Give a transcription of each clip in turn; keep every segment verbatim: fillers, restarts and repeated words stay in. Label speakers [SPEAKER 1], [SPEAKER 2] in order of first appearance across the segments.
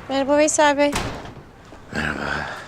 [SPEAKER 1] Merhaba Veysel Bey.
[SPEAKER 2] Merhaba.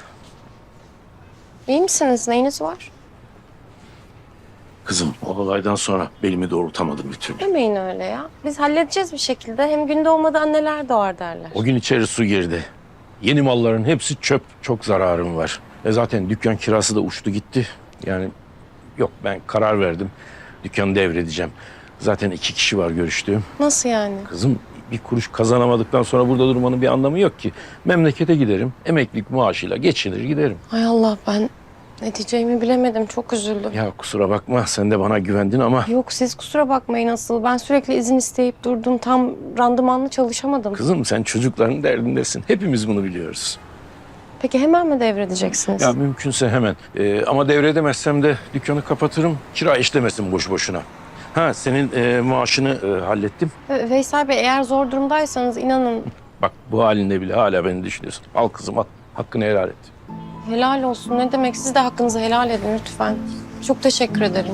[SPEAKER 1] İyi misiniz? Neyiniz var?
[SPEAKER 2] Kızım o olaydan sonra belimi doğrultamadım bir türlü.
[SPEAKER 1] Demeyin öyle ya. Biz halledeceğiz bir şekilde. Hem gün doğmadan anneler doğar derler.
[SPEAKER 2] O gün içeri su girdi. Yeni malların hepsi çöp. Çok zararım var. E zaten dükkan kirası da uçtu gitti. Yani yok, ben karar verdim. Dükkanı devredeceğim. Zaten iki kişi var görüştüğüm.
[SPEAKER 1] Nasıl yani?
[SPEAKER 2] Kızım bir kuruş kazanamadıktan sonra burada durmanın bir anlamı yok ki. Memlekete giderim. Emeklilik maaşıyla geçinir giderim.
[SPEAKER 1] Hay Allah, ben ne diyeceğimi bilemedim. Çok üzüldüm.
[SPEAKER 2] Ya kusura bakma, sen de bana güvendin ama...
[SPEAKER 1] Yok, siz kusura bakmayın asıl. Ben sürekli izin isteyip durdum. Tam randımanlı çalışamadım.
[SPEAKER 2] Kızım sen çocukların derdindesin. Hepimiz bunu biliyoruz.
[SPEAKER 1] Peki hemen mi devredeceksiniz?
[SPEAKER 2] Ya mümkünse hemen. Ee, ama devredemezsem de dükkanı kapatırım. Kira işlemesin boş boşuna. Ha, senin e, maaşını e, hallettim.
[SPEAKER 1] Ve- Veysel Bey, eğer zor durumdaysanız inanın
[SPEAKER 2] Bak bu halinde bile hala beni düşünüyorsun. Al kızım al. Hakkını helal et.
[SPEAKER 1] helal olsun. Ne demek? Siz de hakkınızı helal edin lütfen. Çok teşekkür ederim.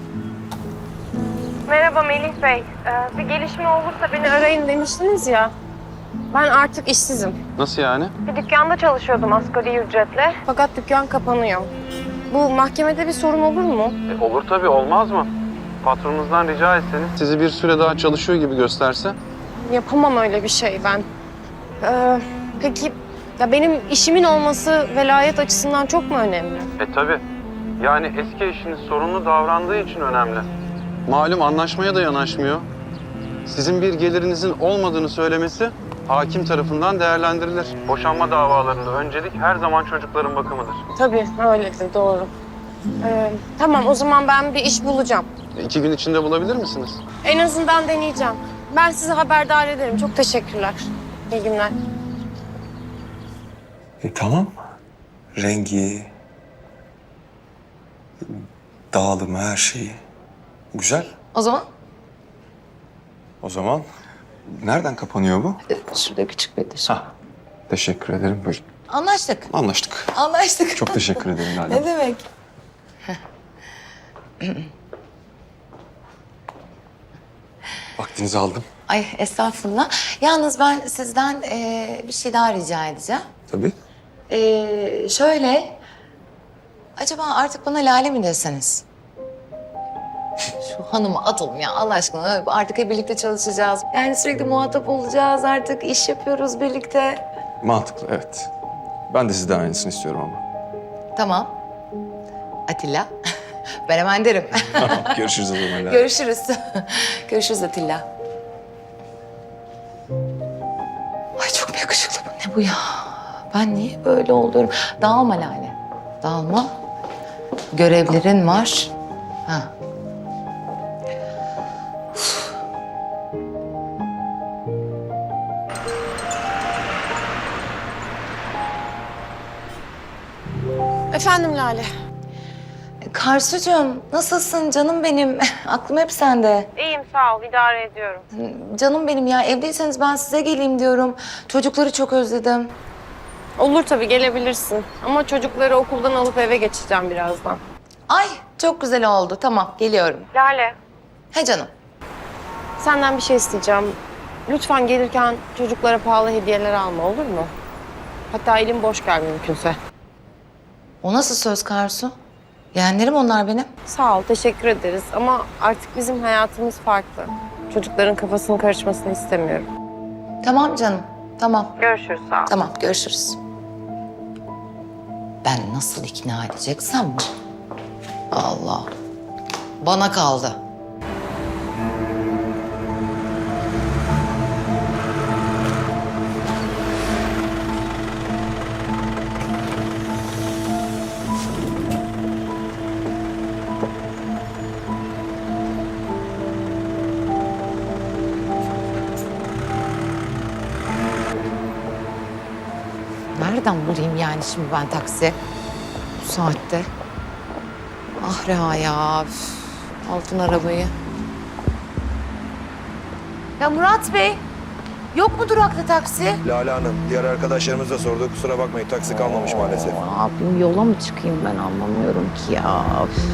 [SPEAKER 1] Merhaba Melih Bey. Ee, bir gelişme olursa beni arayın demiştiniz ya. Ben artık işsizim.
[SPEAKER 3] Nasıl yani?
[SPEAKER 1] Bir dükkanda çalışıyordum asgari ücretle. Fakat dükkan kapanıyor. Bu mahkemede bir sorun olur mu?
[SPEAKER 3] E, olur tabii, olmaz mı? Patronunuzdan rica etseniz sizi bir süre daha çalışıyor gibi gösterse.
[SPEAKER 1] Yapamam öyle bir şey ben. Ee, peki ya benim işimin olması velayet açısından çok mu önemli?
[SPEAKER 3] E tabii. Yani eski eşiniz sorunlu davrandığı için önemli. Malum anlaşmaya da yanaşmıyor. Sizin bir gelirinizin olmadığını söylemesi hakim tarafından değerlendirilir. Boşanma davalarında öncelik her zaman çocukların bakımıdır.
[SPEAKER 1] Tabii öyledir, doğru. Ee, tamam, o zaman ben bir iş bulacağım.
[SPEAKER 3] E, İki gün içinde bulabilir misiniz?
[SPEAKER 1] En azından deneyeceğim. Ben sizi haberdar ederim. Çok teşekkürler. İyi günler.
[SPEAKER 4] E, tamam. Rengi, dağılımı, her şeyi. Güzel.
[SPEAKER 5] O zaman
[SPEAKER 4] O zaman nereden kapanıyor bu?
[SPEAKER 5] e, şurada küçük bir diş.
[SPEAKER 4] Ha. Teşekkür ederim. Buyurun.
[SPEAKER 5] Anlaştık.
[SPEAKER 4] Anlaştık.
[SPEAKER 5] Anlaştık.
[SPEAKER 4] Çok teşekkür ederim Lale.
[SPEAKER 5] Ne demek?
[SPEAKER 4] Vaktinizi aldım.
[SPEAKER 5] Ay estağfurullah. Yalnız ben sizden e, bir şey daha rica edeceğim.
[SPEAKER 4] Tabii.
[SPEAKER 5] E, şöyle, acaba artık bana Lale mi deseniz? Şu hanıma atalım ya Allah aşkına. Artık hep birlikte çalışacağız. Yani sürekli muhatap olacağız artık. İş yapıyoruz birlikte.
[SPEAKER 4] Mantıklı, evet. Ben de sizden aynısını istiyorum ama.
[SPEAKER 5] Tamam. Atilla. Ben hemen derim.
[SPEAKER 4] Görüşürüz o zaman Lale.
[SPEAKER 5] Görüşürüz. Görüşürüz Atilla. Ay çok mu yakışıklı bu? Ne bu ya? Ben niye böyle oluyorum? Dağılma Lale. Dağılma. Görevlerin var. Ha.
[SPEAKER 1] Efendim Lale.
[SPEAKER 5] Karsucuğum nasılsın canım benim? Aklım hep sende.
[SPEAKER 1] İyiyim, sağ ol. İdare ediyorum.
[SPEAKER 5] Canım benim ya, evdeyseniz ben size geleyim diyorum. Çocukları çok özledim.
[SPEAKER 1] Olur tabii, gelebilirsin. Ama çocukları okuldan alıp eve geçeceğim birazdan.
[SPEAKER 5] Ay çok güzel oldu. Tamam geliyorum.
[SPEAKER 1] Lale,
[SPEAKER 5] He canım.
[SPEAKER 1] senden bir şey isteyeceğim. Lütfen gelirken çocuklara pahalı hediyeler alma, olur mu? Hatta elim boş gel mümkünse.
[SPEAKER 5] O nasıl söz Karsu? Yeğenlerim onlar benim.
[SPEAKER 1] Sağ ol, teşekkür ederiz. Ama artık bizim hayatımız farklı. Çocukların kafasının karışmasını istemiyorum.
[SPEAKER 5] Tamam canım. Tamam.
[SPEAKER 1] Görüşürüz, sağ ol.
[SPEAKER 5] Tamam görüşürüz. Ben nasıl ikna edeceksem mi? Allah. Bana kaldı. Nereden bulayım yani şimdi ben taksi? Bu saatte. Ah Reha ya. Üf. Altın arabayı. Ya Murat Bey, yok mu durakta taksi?
[SPEAKER 6] Lale Hanım, diğer arkadaşlarımız da sordu. Kusura bakmayın, taksi kalmamış maalesef.
[SPEAKER 5] Ne yapayım, yola mı çıkayım ben anlamıyorum ki ya. Üf.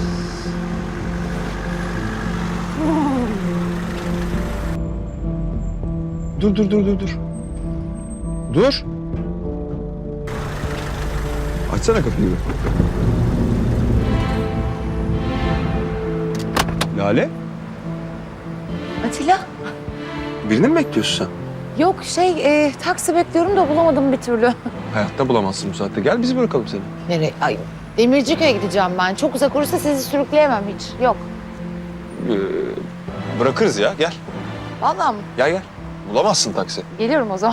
[SPEAKER 4] Dur, dur, dur, dur, dur. Dur. Açsana kapıyı. Lale,
[SPEAKER 5] Atilla?
[SPEAKER 4] birini mi bekliyorsun sen?
[SPEAKER 5] Yok şey e, taksi bekliyorum da bulamadım bir türlü.
[SPEAKER 4] Hayatta bulamazsın bu saatte. Gel bizi bırakalım seni.
[SPEAKER 5] Nereye? Ay Demircik'e gideceğim ben. Çok uzak olursa sizi sürükleyemem hiç. Yok.
[SPEAKER 4] Ee, bırakırız ya, gel.
[SPEAKER 5] Vallahi mı?
[SPEAKER 4] Gel gel. Bulamazsın taksi.
[SPEAKER 5] Geliyorum o zaman.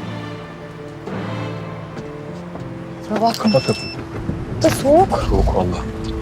[SPEAKER 5] Kusura bakma.
[SPEAKER 4] Kapat kapıyı.
[SPEAKER 5] Da soğuk.
[SPEAKER 4] Soğuk valla.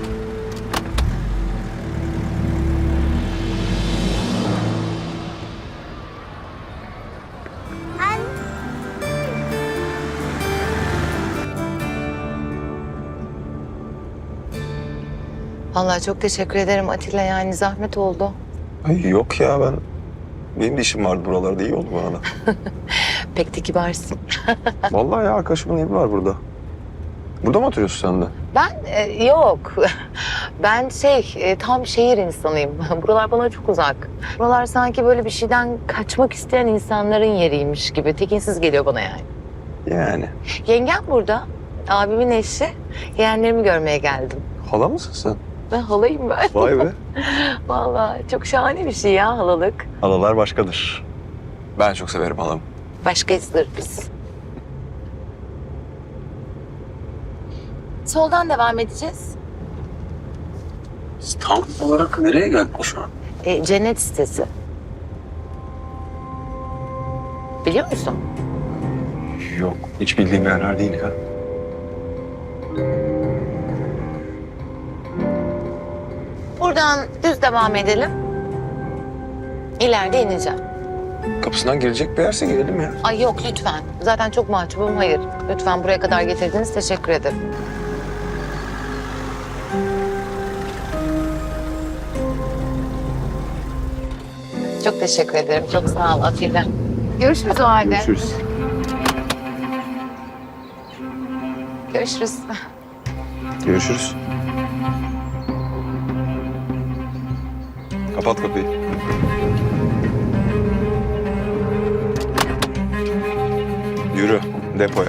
[SPEAKER 5] Vallahi çok teşekkür ederim Atilla, yani zahmet oldu.
[SPEAKER 6] Ay yok ya ben... Benim de işim vardı buralarda. İyi oldu bana.
[SPEAKER 5] Pek de kibarsın.
[SPEAKER 6] Vallahi ya arkadaşımın evi var burada. Burada mı oturuyorsun sen de?
[SPEAKER 5] Ben e, yok. Ben şey e, tam şehir insanıyım. Buralar bana çok uzak. Buralar sanki böyle bir şeyden kaçmak isteyen insanların yeriymiş gibi. Tekinsiz geliyor bana yani.
[SPEAKER 6] Yani.
[SPEAKER 5] Yengem burada. Abimin eşi. Yeğenlerimi görmeye geldim.
[SPEAKER 6] Hala mısın sen?
[SPEAKER 5] Ben halayım ben.
[SPEAKER 6] Vay be.
[SPEAKER 5] Vallahi çok şahane bir şey ya halalık.
[SPEAKER 6] Halalar başkadır.
[SPEAKER 4] Ben çok severim halamı.
[SPEAKER 5] Başkayızdır biz. Soldan devam edeceğiz.
[SPEAKER 2] Tam olarak nereye geldik şu an?
[SPEAKER 5] E, cennet sitesi. Biliyor musun?
[SPEAKER 4] Yok, hiç bildiğim yerler değil ya.
[SPEAKER 5] Buradan düz devam edelim. İleride ineceğim.
[SPEAKER 4] Kapısından girecek bir yerse girelim ya.
[SPEAKER 5] Ay yok lütfen. Zaten çok mahcubum. Hayır. Lütfen buraya kadar getirdiniz. Teşekkür ederim. Çok teşekkür ederim. Çok sağ ol Atilla. Görüşürüz o halde.
[SPEAKER 4] Görüşürüz.
[SPEAKER 5] Görüşürüz.
[SPEAKER 4] Görüşürüz. Kapat kapıyı. Yürü depoya.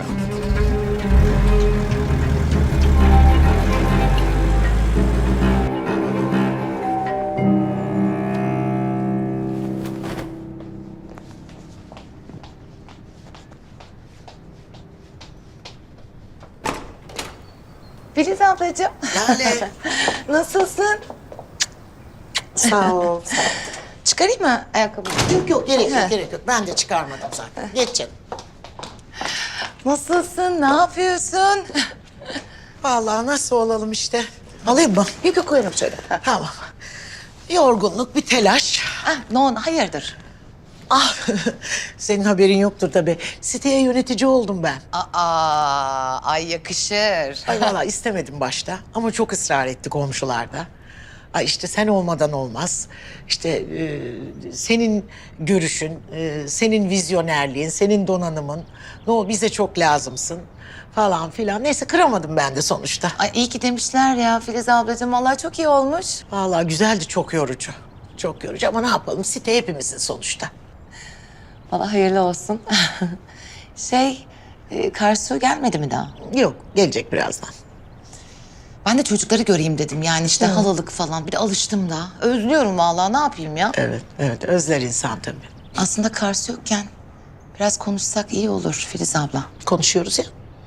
[SPEAKER 5] Filiz ablacığım.
[SPEAKER 7] Lale.
[SPEAKER 5] Nasılsın?
[SPEAKER 7] Sağ ol.
[SPEAKER 5] Çıkarayım mı ayakkabıyı?
[SPEAKER 7] Yok yok gerek
[SPEAKER 5] He.
[SPEAKER 7] yok gerek yok. Ben de çıkarmadım zaten. Geç canım.
[SPEAKER 5] Nasılsın? Ne yapıyorsun?
[SPEAKER 7] Vallahi nasıl olalım işte. Alayım mı?
[SPEAKER 5] Yok yok koyarım şöyle. Ha.
[SPEAKER 7] Tamam. Yorgunluk, bir telaş.
[SPEAKER 5] Ah, no, hayırdır?
[SPEAKER 7] Ah, senin haberin yoktur tabii. Siteye yönetici oldum ben.
[SPEAKER 5] Aa, ay yakışır.
[SPEAKER 7] Ay vallahi istemedim başta ama çok ısrar etti komşularda. Ay işte sen olmadan olmaz. İşte e, senin görüşün, e, senin vizyonerliğin, senin donanımın. No, bize çok lazımsın falan filan. Neyse kıramadım ben de sonuçta.
[SPEAKER 5] Ay iyi ki demişler ya Filiz ablacığım. Vallahi çok iyi olmuş.
[SPEAKER 7] Vallahi güzeldi, çok yorucu. Çok yorucu ama ne yapalım, site hepimizin sonuçta.
[SPEAKER 5] Vallahi hayırlı olsun. şey, e, Karsu gelmedi mi daha?
[SPEAKER 7] Yok, gelecek birazdan.
[SPEAKER 5] Ben de çocukları göreyim dedim. Yani işte halalık falan. Bir de alıştım da. Özlüyorum vallahi. Ne yapayım ya?
[SPEAKER 7] Evet, evet, özler insan tabii.
[SPEAKER 5] Aslında Karsu yokken biraz konuşsak iyi olur Filiz abla.
[SPEAKER 7] Konuşuyoruz ya.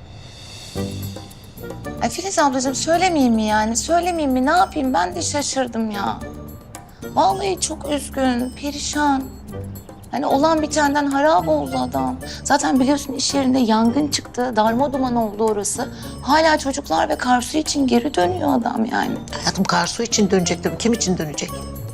[SPEAKER 5] Ay Filiz ablacığım söylemeyeyim mi yani? Söylemeyeyim mi? Ne yapayım? Ben de şaşırdım ya. Vallahi çok üzgün, perişan. Hani olan bitenden harap oldu adam. Zaten biliyorsun iş yerinde yangın çıktı. Darma duman oldu orası. Hala çocuklar ve Karsu için geri dönüyor adam yani.
[SPEAKER 7] Hayatım Karsu için dönecek tabii. Kim için dönecek?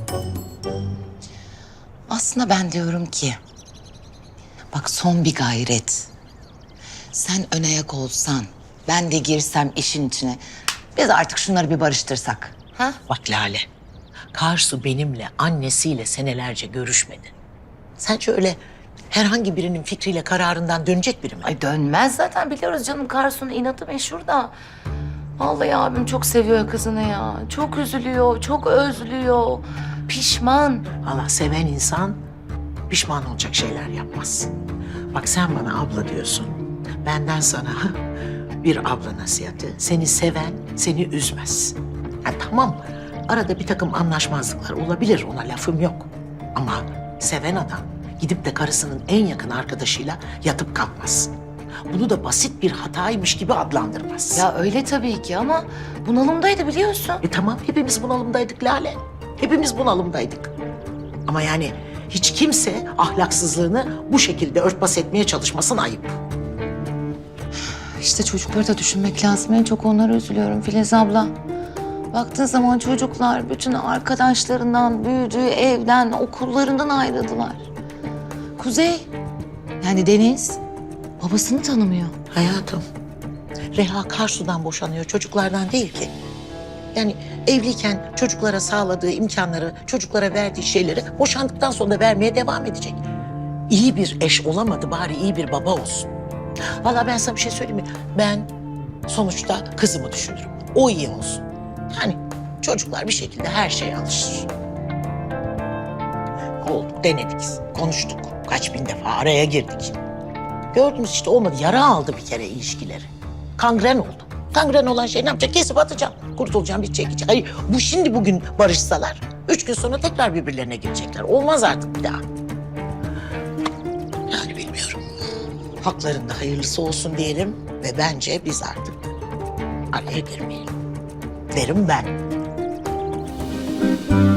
[SPEAKER 5] Aslında ben diyorum ki... Bak son bir gayret. Sen ön ayak olsan, ben de girsem işin içine. Biz artık şunları bir barıştırsak. Ha?
[SPEAKER 7] Bak Lale, Karsu benimle, annesiyle senelerce görüşmedi. Sence öyle herhangi birinin fikriyle, kararından dönecek biri mi?
[SPEAKER 5] Ay dönmez zaten biliyoruz canım Karsu'nun inatı meşhur da. Vallahi abim çok seviyor kızını ya. Çok üzülüyor, çok özlüyor. Pişman.
[SPEAKER 7] Valla seven insan pişman olacak şeyler yapmaz. Bak sen bana abla diyorsun. Benden sana bir abla nasihatı. Seni seven seni üzmez. Ha, tamam, arada bir takım anlaşmazlıklar olabilir, ona lafım yok. Ama seven adam gidip de karısının en yakın arkadaşıyla yatıp kalkmaz. Bunu da basit bir hataymış gibi adlandırmaz.
[SPEAKER 5] Ya öyle tabii ki ama bunalımdaydı biliyorsun.
[SPEAKER 7] E tamam, hepimiz bunalımdaydık Lale. Hepimiz bunalımdaydık. Ama yani hiç kimse ahlaksızlığını bu şekilde örtbas etmeye çalışmasın, ayıp.
[SPEAKER 5] İşte çocukları da düşünmek lazım. En çok onlara üzülüyorum Filiz abla. Baktığın zaman çocuklar bütün arkadaşlarından, büyüdüğü evden, okullarından ayrıldılar. Kuzey, yani Deniz, babasını tanımıyor.
[SPEAKER 7] Hayatım, Reha Karsu'dan boşanıyor, çocuklardan değil ki. Yani evliyken çocuklara sağladığı imkanları, çocuklara verdiği şeyleri boşandıktan sonra da vermeye devam edecek. İyi bir eş olamadı, bari iyi bir baba olsun. Vallahi ben sana bir şey söyleyeyim mi? Ben sonuçta kızımı düşünürüm. O iyi olsun. Yani çocuklar bir şekilde her şeye alışır. Oldu, denedik, konuştuk. Kaç bin defa araya girdik. Gördünüz işte, olmadı. Yara aldı bir kere ilişkileri. Kangren oldu. Kangren olan şey ne yapacak? Kesip atacağım. Kurtulacağım, bitecek, gidecek. Hayır, bu şimdi bugün barışsalar, üç gün sonra tekrar birbirlerine girecekler. Olmaz artık bir daha. Yani bilmiyorum. Haklarında hayırlısı olsun diyelim ve bence biz artık araya girmeyelim. Derim ben.